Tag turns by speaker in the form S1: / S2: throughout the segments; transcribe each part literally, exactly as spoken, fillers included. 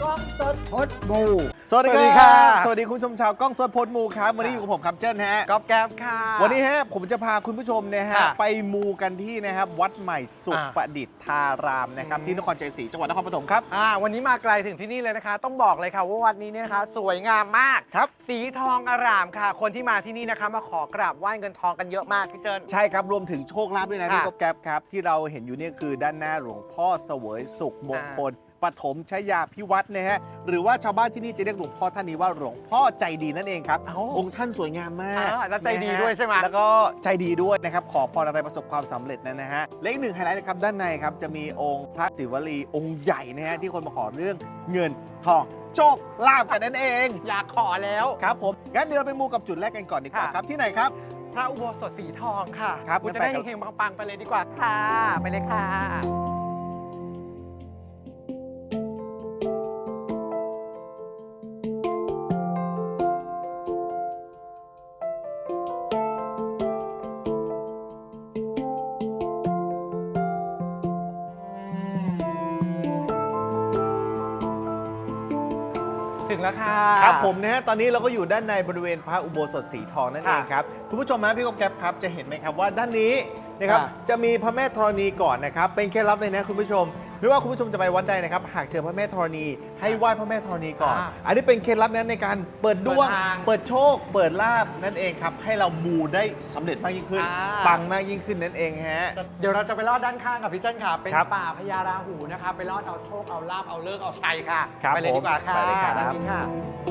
S1: กล้องสดพดมู
S2: สวัสดีครับสวัสดีคุณผู้ชมชาวกล้องสดพดมูครับวันนี้อยู่กับผมครับเจิ้นฮะ
S1: ก๊อฟแก๊บค่ะ
S2: วันนี้ฮะผมจะพาคุณผู้ชมนะฮะ
S1: ค่ะ
S2: ไปมูกันที่นะครับวัดใหม่สุข
S1: อ่า
S2: ประดิษฐารามนะครับ
S1: อืม
S2: ที่นครชัยศรีจังหวัดนครปฐมครับ
S1: อ่าวันนี้มาไกลถึงที่นี่เลยนะคะ ต้องบอกเลยค่ะว่าวัดนี้เนี่ยนะคะสวยงามมาก
S2: ครับ
S1: สีทองอร่ามค่ะ คนที่มาที่นี่นะคะมาขอกราบไหว้เงินทองกันเยอะมากพี่เจิ้น
S2: ใช่ครับรวมถึงโชคลาภด้วยนะ
S1: ค่ะ
S2: พี่กบแก๊บครับที่เราเห็นอยู่เนี่ยคือด้านหน้าหลวงพ่อเสวยสุขมงคลปฐมชยาพิวัตรนะฮะหรือว่าชาวบ้านที่นี่จะเรียกหลวงพ่อท่านนี้ว่าหลวงพ่อใจดีนั่นเองครับ
S1: เอ้า
S2: องค์ท่านสวยงามมาก
S1: อ่าแล้วใจดี
S2: นะฮะ
S1: ด้วยใช่ไหม
S2: แล้วก็ใจดีด้วยนะครับขอพรอะไรประสบความสำเร็จนะนะฮะและอีกหนึ่งไฮไลท์นะครับด้านในครับจะมีองค์พระศิวลีองค์ใหญ่นะฮะที่คนมาขอเรื่องเงินทองโชคลาภกันนั่นเอง
S1: อยากขอแล้ว
S2: ครับผมงั้นเดี๋ยวเราไปมูกับจุดแรกกันก่อนดีกว่า
S1: ค่ะ
S2: ครับที่ไหนครับ
S1: พระอุโบสถสีทองค่ะ
S2: ครับ
S1: ณจะได้
S2: งั้นไปครับ
S1: เฮงๆปังๆไปเลยดีกว่าค่ะ ไปเลยค่ะ ถึงแล้วค่ะ
S2: ครับผมนะฮะตอนนี้เราก็อยู่ด้านในบริเวณพระอุโบสถสีทองนั่นเองครับคุณผู้ชมฮะพี่กบแก๊บครับจะเห็นไหมครับว่าด้านนี้นะครับ
S1: ค่ะ
S2: จะมีพระแม่ธรณีก่อนนะครับเป็นเคล็ดลับเลยนะคุณผู้ชมไม่ว่าคุณผู้ชมจะไปวัดใดนะครับหากเจอพระแม่ธรณีให้ไหว้พระแม่ธรณีก่อน
S1: อ่า
S2: อันนี้เป็นเคล็ดลับนั้นในการเปิดดวง
S1: เปิดทาง
S2: เปิดโชค เปิดลาภนั่นเองครับให้เรามูได้สำเร็จมากยิ่งขึ้น
S1: อ่า
S2: ปังมากยิ่งขึ้นนั่นเองฮะ
S1: เดี๋ยวเราจะไปลอดด้านข้างกับพี่เจิ้นค่ะ เป็น
S2: ครับ
S1: ป่าพญาราหูนะคะ ไปลอดเอาโชค เอาลาบเอาเลิกษ์เอาชัยค่ะ
S2: ครับ
S1: ไปเลยดีกว่าค่ะ
S2: ผมไปเลยครับ
S1: ด้านนี้ค่ะ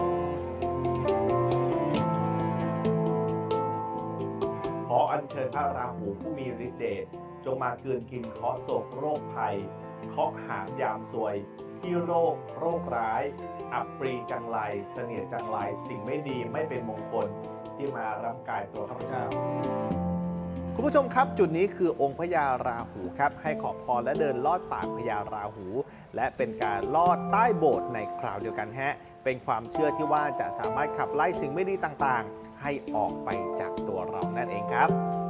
S2: ขออัญเชิญพระราหูผู้มีฤทธิ์เดชจงมาเกินกินเคราะห์โศกโรคภัยเคราะห์หามยามซวย ที่โรคโรคร้าย อับปรีจังไรเสนียดจังไรสิ่งไม่ดีไม่เป็นมงคลที่มารับกายตัวข้าพเจ้า คุณผู้ชมครับจุดนี้คือองค์พญาราหูครับให้ขอพรและเดินลอดปากพญาราหู และเป็นการลอดใต้โบสถ์ในคราวเดียวกันฮะเป็นความเชื่อที่ว่าจะสามารถขับไล่สิ่งไม่ดีต่างๆ ให้ออกไปจากตัวเรานั่นเองครับ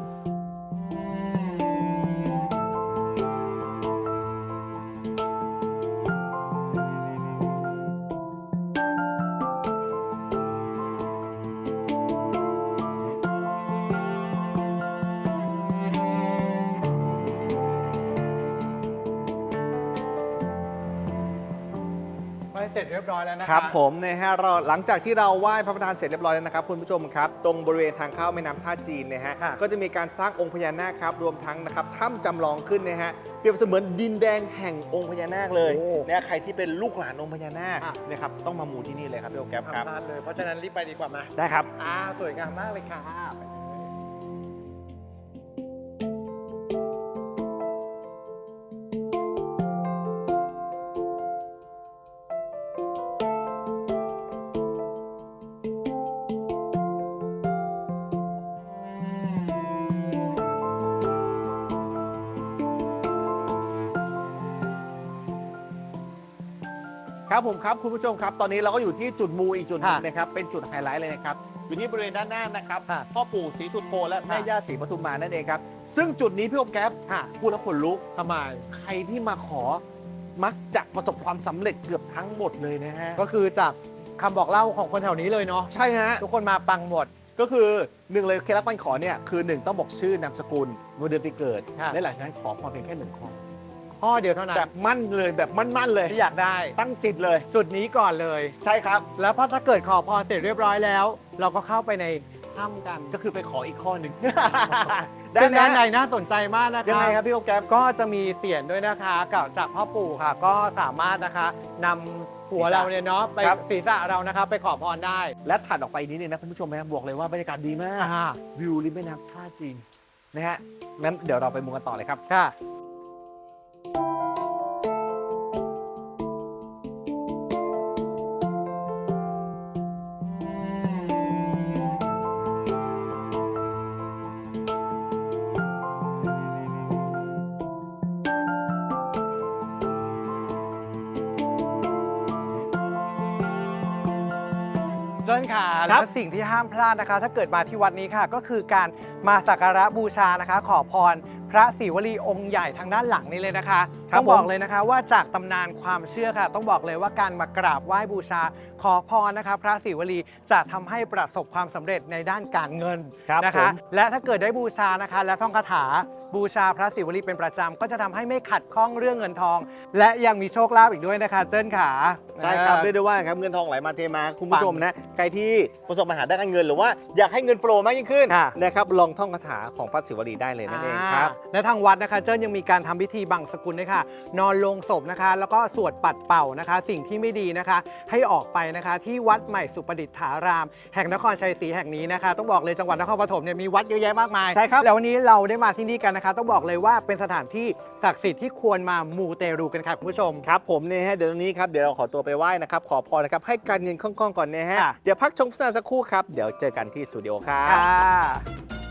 S1: ไปเสร็จเรียบร้อยแล้วนะคะ
S2: ครับผมนะฮะเราหลังจากที่เราไหว้พระประธานเสร็จเรียบร้อยแล้วนะครับคุณผู้ชมครับ ตรงบริเวณทางเข้าแม่น้ำท่าจีนนะฮะ
S1: ค่ะ
S2: ก็จะมีการสร้างองค์พญานาคครับรวมทั้งนะครับถ้ำจำลองขึ้นนะฮะเปรียบเสมือนดินแดงแห่งองค์พญานาคเลย
S1: โอ้
S2: นะใครที่เป็นลูกหลานองค์พญานาค
S1: อ่ะ
S2: นะครับต้องมามูที่นี่เลยครับพี่โอแก๊ปครับ
S1: ทำพลาดเลย เพราะฉะนั้นรีบไปดีกว่ามา
S2: ได้ครับ
S1: อ่า สวยงามมากเลยค่ะไปเลย
S2: ครับผมครับคุณผู้ชมครับตอนนี้เราก็อยู่ที่จุดมูอีกจุดหนึง
S1: ค่ะ
S2: นะครับเป็นจุดไฮไลท์เลยนะครับอยู่ที่บริเวณด้านหน้านะครับ
S1: ค่ะ
S2: พ่อปู่ศรีสุโธและแม่
S1: ค่ะ
S2: ย่าศรีปทุมมานั่นเองครับซึ่งจุดนี้พี่โอแก๊ป
S1: ค่ะ
S2: พูดแล้วขนลุก
S1: ทำไม
S2: ใครที่มาขอมักจะประสบความสำเร็จเกือบทั้งหมดเลยนะฮะ
S1: ก็คือจากคำบอกเล่าของคนแถวนี้เลยเนาะ
S2: ใช่ฮะ
S1: ทุกคนมาปังหมด
S2: ก็คือหนึ่งเลยเคล็ดลับการขอเนี่ยคือหนึ่งต้องบอกชื่อนามสกุลวันเดือนปีเกิด
S1: ค่ะ
S2: และหลังจากนั้นขอพรเพียงแค่หนึ่งข้อ
S1: ข้อเดียวเท่านั้น
S2: แบบมั่นเลยแบบมั่นๆเลย
S1: ที่อยากได้
S2: ตั้งจิตเลย
S1: จุดนี้ก่อนเลย
S2: ใช่ครับ
S1: แล้วพอถ้าเกิดขอพรเสร็จเรียบร้อยแล้ว เราก็เข้าไปในถ้ำกัน
S2: ก็คือไปขออีกข้อหนึ่ง
S1: ซึ่งด้านใน
S2: นะ
S1: น่าสนใจมากนะ
S2: ยัง
S1: คะ
S2: ไงครับพี่โอแก๊ป
S1: ก็จะมีเสียนด้วยนะคะกับจากพ่อปู่ค่ะ ก็สามารถนะคะนำหัวเราเนี่ยเนาะไป
S2: ครับ
S1: ศีรษะเรานะคะไปขอพรได้
S2: และถัดออกไปนิดนึงนะคุณผู้ชมนะบอกเลยว่าบรรยากาศดีมาก
S1: อ่า
S2: วิวริมแม่น้ำท่าจีนนะฮะงั้นเดี๋ยวเราไปมูกันต่อเลยครับ
S1: ค่ะ เจิ้นค่ะ
S2: ครั
S1: และ
S2: บ
S1: สิ่งที่ห้ามพลาดนะคะ ถ้าเกิดมาที่วัดนี้ค่ะ ก็คือการมาสักการะบูชานะคะ ขอพรพพระศิวลีองค์ใหญ่ทางด้านหลังนี้เลยนะคะ
S2: ครับ
S1: ต้องบอก
S2: ผม
S1: เลยนะคะว่าจากตำนานความเชื่อค่ะ ต้องบอกเลยว่าการมากราบไหว้บูชาขอพรนะคะพระศิวลีจะทำให้ประสบความสำเร็จในด้านการเงิน
S2: ครับ
S1: นะ
S2: ผ
S1: คะ
S2: ม
S1: และถ้าเกิดได้บูชานะคะ และท่องคาถาบูชาพระศิวลีเป็นประจำก็จะทำให้ไม่ขัดข้องเรื่องเงินทอง และยังมีโชคลาภอีกด้วยนะคะเจิ้นขา
S3: ใช่ครับ
S1: เอ
S3: เรีย
S1: อก
S3: ได้ว่าครับเงินทองไหลมาเทมาคุณ
S1: ปั
S3: ผู้
S1: ง
S3: ชมนะใครที่ประสบปัญหาด้านการเงินหรือว่าอยากให้เงินโฟลว์มากยิ่งขึ้น
S1: ค่ะ
S3: นะครับลองท่องคาถาของพระศิวลีได้เลยนั่นเองครับ
S1: อ่าและทางวัดนะคะเจิ้นยังมีการทำพิธีบังสกุลด้วยค่ะ นอนลงศพนะคะ แล้วก็สวดปัดเป่านะคะ สิ่งที่ไม่ดีนะคะ ให้ออกไปนะคะ ที่วัดใหม่สุประดิษฐาราม แห่งนครชัยศรีแห่งนี้นะคะ ต้องบอกเลยจังหวัดนครปฐมเนี่ยมีวัดเยอะแยะมากมาย
S3: ใช่ครับ
S1: แล้ววันนี้เราได้มาที่นี่กันนะคะ ต้องบอกเลยว่าเป็นสถานที่ศักดิ์สิทธิ์ที่ควรมามูเตรูกันค่ะคุณผู้ชม
S3: ครับผมเนี่ยฮะเดี๋ยวตรงนี้ครับเดี๋ยวเราขอตัวไปไหว้นะครับขอพรนะครับให้การเงินคล่องๆก่อนนะฮะ
S1: ค่ะ
S3: เดี๋ยวพักชมโฆษณาสักครู่ครับเดี๋ยวเจอกันที่สตูดิโอครับ
S1: ค่ะ